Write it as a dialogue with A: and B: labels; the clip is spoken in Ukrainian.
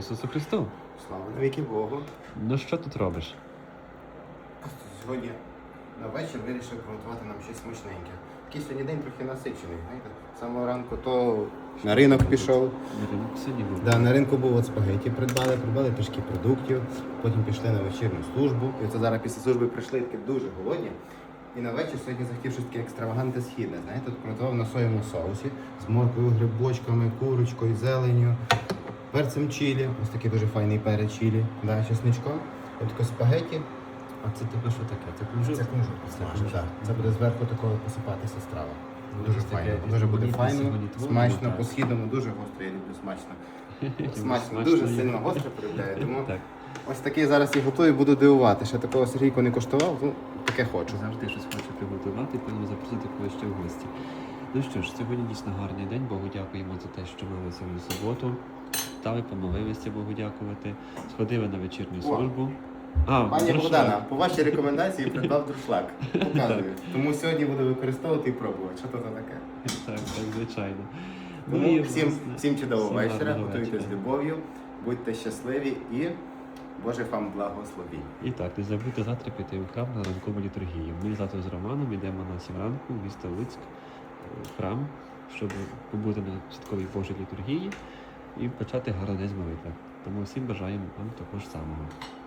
A: Ісусу Христу!
B: Слава навіки Богу.
A: Ну що тут робиш?
B: Сьогодні на вечір вирішив приготувати нам щось смачненьке. Такий сьогодні день трохи насичений. Знаєте? З самого ранку то на ринок пішов.
A: На ринок сьогодні був.
B: Да, на ринку був от спагеті придбали трішки продуктів, потім пішли на вечірню службу. І оце зараз після служби прийшли такі дуже голодні. І на вечір сьогодні захотів щось таке екстравагантне східне. Знаєте, тут приготував на соєвому соусі з моркою, грибочками, курочкою, зеленню, перцем чилі. Ось такий дуже файний перець чилі, да, чесничком. Ось таке спагеті.
A: А це тебе що таке? Це кунжут?
B: Це кунжут підсмажений, так. Це буде зверху такого посипатися страва.
A: Ну,
B: Дуже
A: це таке
B: файно. Дуже буде
A: різноманітне
B: файно,
A: сьогодні
B: смачно,
A: творення,
B: по-східному, дуже гостро, я люблю смачно. Смачно,
A: Смачно
B: дуже
A: їм.
B: сильно гостро полюбляю. Тому
A: Так.
B: ось такий зараз і готую, буду дивувати. Ще такого Сергійко не коштував, ну таке хочу.
A: Завжди щось хоче приготувати, певно запросити когось ще в гості. Ну що ж, сьогодні дійсно гарний день. Богу дякуємо за те, що ми сьогодні суботу. Стали, помолилися Богу дякувати. Сходили на вечірню службу.
B: Пані
A: друшлак.
B: Богдана, по вашій рекомендації придбав друшлак. Показую. Тому сьогодні буду використовувати і пробувати. Що то таке?
A: Так, звичайно.
B: Тому
A: і,
B: всім,
A: власне,
B: всім чудового
A: всім
B: вечора,
A: гарного
B: готуйте з
A: вечора.
B: любов'ю, будьте щасливі і Боже вам благословінь.
A: І так, не забудьте завтра піти у храм на ранкову літургію. Ми завтра з Романом йдемо на 7 ранку в місто Луцьк, в храм, щоб побути на святковій Божій літургії і почати гарний день з молитви. Тому всім бажаємо вам також самого.